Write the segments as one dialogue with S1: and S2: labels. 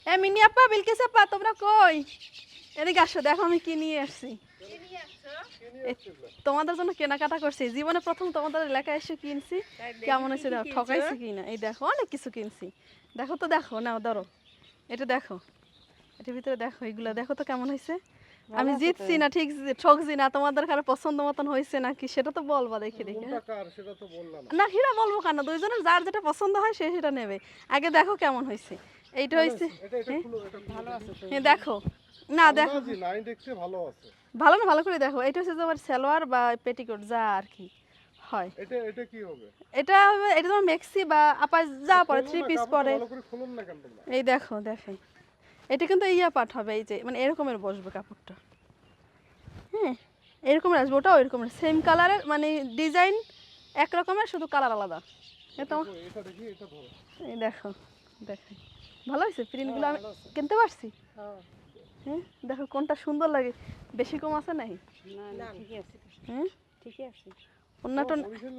S1: এ mini আপা বিলকিস আপা তোমরা কই? এদিকে আসো, দেখো আমি কি নিয়ে আসছি। তোমাদের জন্য কেনাকাটা করছি, জীবনে প্রথম তোমাদের এলাকায় এসে কিনছি। কেমন হয়েছে দেখো, ঠকাইছি কিনা। এই দেখো অনেক কিছু কিনছি, দেখো তো, দেখো নাও ধরো, এটা দেখো, এটার ভিতরে দেখো, এগুলা দেখো তো কেমন হয়েছে। আমি জিতছি না ঠিক ঠকছি না, তোমাদের কারো পছন্দ মতন হয়েছে নাকি সেটা তো বলবা দেখে দেখে। না হিরা বলবো কেন, দুইজনের যার যেটা পছন্দ হয় সে সেটা নেবে। আগে দেখো কেমন হয়েছে। এইটা হয়েছে হ্যাঁ দেখো, না দেখো ভালো না, ভালো করে দেখো। এটা হচ্ছে তোমার সালোয়ার বা পেটিকোট যা আর কি হয়। এটা কি হবে? এটা হবে, এটা তোমার মেক্সি বা আপা যা পরে, থ্রি পিস পরে। এই দেখো দেখেন, এটা কিন্তু ইয়া পাট হবে, এই যে মানে এরকমের বসবে কাপড়টা। হ্যাঁ এরকমের আসবে, ওটাও এরকমের সেম কালারের, মানে ডিজাইন এক রকমের, শুধু কালার আলাদা। এই দেখো দেখেন, ভালো হয়েছে প্রিন্টগুলো, আমি কিনতে পারছি। হ্যাঁ দেখো কোনটা সুন্দর লাগে, বেশি কম আছে নাই? হ্যাঁ ঠিকই আছে। অন্যটা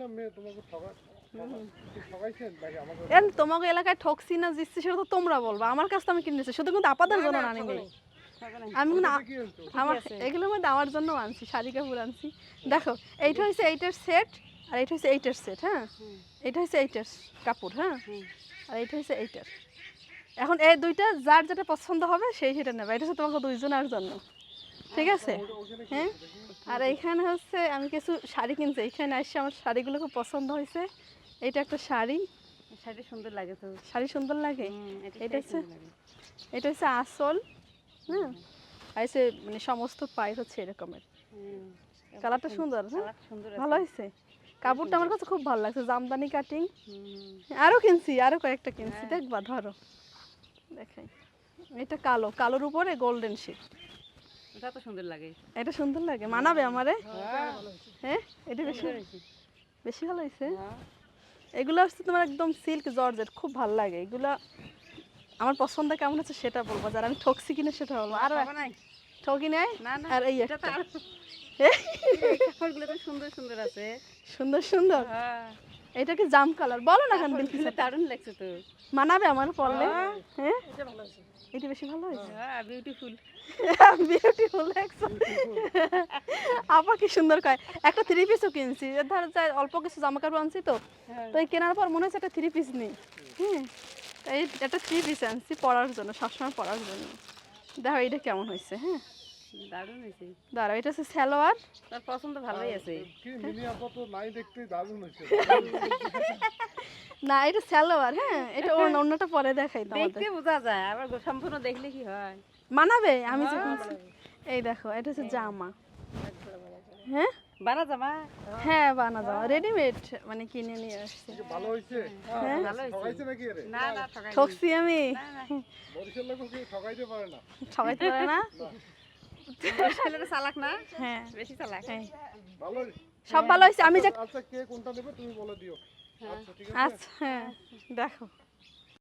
S1: তোমাকে এলাকায় ঠকছি না জিতছি সেটা তো তোমরা বলবা, আমার কাছে তো আমি কিনেছি শুধু, কিন্তু আপাদের জন্য না নিবে। আমি আমার এগুলোর মধ্যে আমার জন্য আনছি, শাড়ি কাপড় আনছি। দেখো এইটা হচ্ছে এইটার সেট, আর এইটা হচ্ছে এইটার সেট। হ্যাঁ এটা হচ্ছে এইটার কাপড়, হ্যাঁ আর এইটা হচ্ছে এইটার। এখন এই দুইটা যার যেটা পছন্দ হবে সেই সেটা নেবে, এটা হচ্ছে তোমাকে দুইজনের জন্য, ঠিক আছে? হ্যাঁ আর এইখানে হচ্ছে আমি কিছু শাড়ি কিনছি, এইখানে আসছে আমার শাড়িগুলো খুব পছন্দ হয়েছে। এটা একটা শাড়ি, শাড়ি সুন্দর লাগে তো, শাড়ি সুন্দর লাগে। এটা হচ্ছে, এটা হচ্ছে আসল। হ্যাঁ আর হচ্ছে মানে সমস্ত পাই হচ্ছে এরকমের, কালারটা সুন্দর, হ্যাঁ ভালো হয়েছে। কাপড়টা আমার কাছে খুব ভালো লাগছে, জামদানি কাটিং। আরও কিনছি, আরও কয়েকটা কিনছি, দেখবা ধরো দেখাই। এটা কালো, কালোর উপরে গোল্ডেন শেড, এটা তো সুন্দর লাগে, এটা সুন্দর লাগে, মানাবে আমারে। হ্যাঁ এটা বেশি বেশি ভালো হয়েছে। এগুলো হচ্ছে তোমার একদম সিল্ক জর্জেট, খুব ভালো লাগে এগুলো। আমার পছন্দ কেমন হচ্ছে সেটা বলবো, যারা আমি ঠকছি কিনা সেটা বলবো। আর ঠকি নাই, আর এই একটা কাপড়গুলো তো সুন্দর সুন্দর আছে, সুন্দর সুন্দর। এটা কি জাম কালার বলো না, কেন বিলকিস দারুণ লাগছে তো, মানাবে আমার পরলে। হ্যাঁ এটা ভালো হয়েছে, এটা বেশি ভালো হয়েছে। বিউটিফুল বিউটিফুল আপা কি সুন্দর কয়। একটা থ্রি পিসও কিনছি, ধর যাই অল্প কিছু জামা কাপড় আনছি তো, তো এই কেনার পর মনে হচ্ছে একটা থ্রি পিস নেই। হ্যাঁ এই একটা থ্রি পিস আনছি পরার জন্য, সবসময় পরার জন্য। দেখো এটা কেমন হয়েছে। হ্যাঁ দারুণ হয়েছে, দাঁড়াও এটা হচ্ছে সালোয়ার, তার পছন্দ ভালোই আছে। না এটা সালোয়ার, হ্যাঁ এটা অন্যটা পরে দেখাই, দেখতে বোঝা যায়, আবার সম্পূর্ণ দেখলে কি হয়, মানাবে। আমি যখন এই দেখো এটা হচ্ছে জামা, হ্যাঁ বানা জামা, হ্যাঁ বানা জামা রেডিমেড, মানে কিনে নিয়ে আসছে। ভালো হয়েছে, হ্যাঁ ভালো হয়েছে নাকি? আরে না না ঠকছি আমি, বরিশাল লোক কি ঠকাইতে পারে না, ঠকাইতে পারে না, বরিশালের চালাক না, হ্যাঁ বেশি চালাক। হ্যাঁ ভালো সব ভালো হয়েছে। আমি যে আচ্ছা কে কোনটা নেবে তুমি বলে দিও। আচ্ছা ঠিক আছে, আচ্ছা হ্যাঁ দেখো